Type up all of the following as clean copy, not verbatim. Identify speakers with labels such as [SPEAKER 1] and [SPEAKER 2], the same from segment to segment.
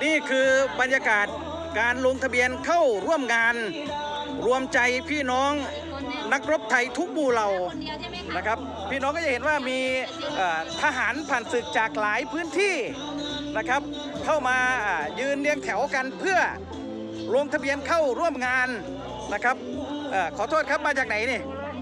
[SPEAKER 1] นี่คือบรรยากาศการลงทะเบียนเข้าร่วมงานรวมใจพี่น้องนักรบไทยทุกหมู่เหล่านะครับพี่น้องก็จะเห็นว่ามีทหารผ่านศึกจากหลายพื้นที่นะครับเข้ามายืนเรียงแถวกันเพื่อลงทะเบียนเข้าร่วมงานนะครับขอโทษครับมาจากไหนนี่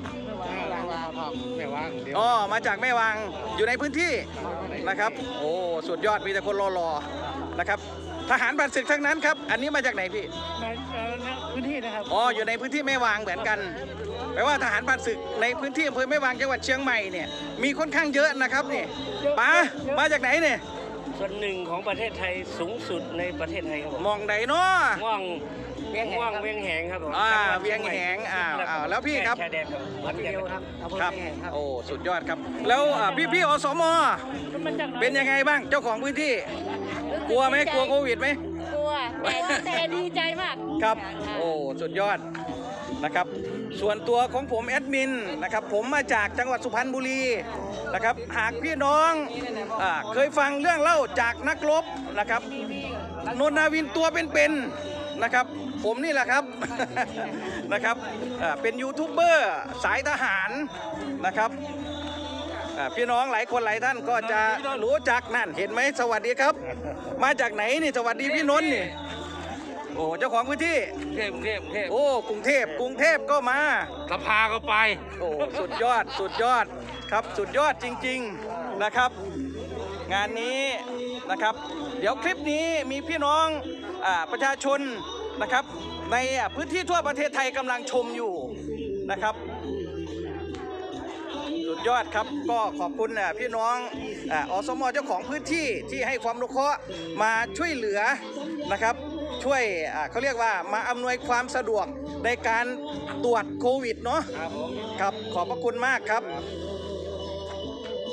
[SPEAKER 1] อ๋อมาจากแม่วางอยู่ในพื้นที่นะครับโอ้สุดยอดมีแต่คนรอๆนะครับทหารผ่านศึกทั้งนั้นครับอันนี้มาจากไหนพี่
[SPEAKER 2] พื้นที่นะครับ
[SPEAKER 1] อ๋ออยู่ในพื้นที่แม่วางเหมือนกันแปลว่าทหารผ่านศึกในพื้นที่อำเภอแม่วางจังหวัดเชียงใหม่เนี่ยมีค่อนข้างเยอะนะครับนี่ป๋ามาจากไหนเนี่ย
[SPEAKER 2] ส่วนหนึ่งของประเทศไทยสูงสุดในประเทศไทยครับผม
[SPEAKER 1] มองไหนเนาะ
[SPEAKER 2] ม่วงเวียงแหงครับผม
[SPEAKER 1] เวียงแหงแล้วพี่ครับ
[SPEAKER 2] ชายแดนครับวัดเดียวครับ
[SPEAKER 1] ครับโอ้สุดยอดครับแล้วพี่อสมเป็นยังไงบ้างเจ้าของพื้นที่กลัวไหมกลัวโควิดไหม
[SPEAKER 3] กลัวแต่ดีใจมาก
[SPEAKER 1] ครับโอ้สุดยอดนะครับส่วนตัวของผมแอดมินนะครับผมมาจากจังหวัดสุพรรณบุรีนะครับหากพี่น้องเคยฟังเรื่องเล่าจากนักรบนะครับนนนาวินตัวเป็นๆนะครับผมนี่แหละครับนะครับเป็นยูทูบเบอร์สายทหารนะครับพี่น้องหลายคนหลายท่านก็จะรู้จักนั่นเห็นไหมสวัสดีครับมาจากไหนนี่สวัสดีพี่นนท์นี่โอ้เจ้าของพื้นที่
[SPEAKER 2] กรุงเทพ
[SPEAKER 1] โอ้กรุงเทพก็มา
[SPEAKER 2] สภาก็ไป
[SPEAKER 1] โอ้สุดยอดครับสุดยอดจริงๆนะครับงานนี้นะครับเดี๋ยวคลิปนี้มีพี่น้องประชาชนนะครับในพื้นที่ทั่วประเทศไทยกำลังชมอยู่นะครับสุดยอดครับก็ขอบคุณพี่น้องอสม.เจ้าของพื้นที่ที่ให้ความรู้เคราะห์มาช่วยเหลือนะครับช่วยเขาเรียกว่ามาอำนวยความสะดวกในการตรวจโควิดเนาะครับขอบพระคุณมากครับ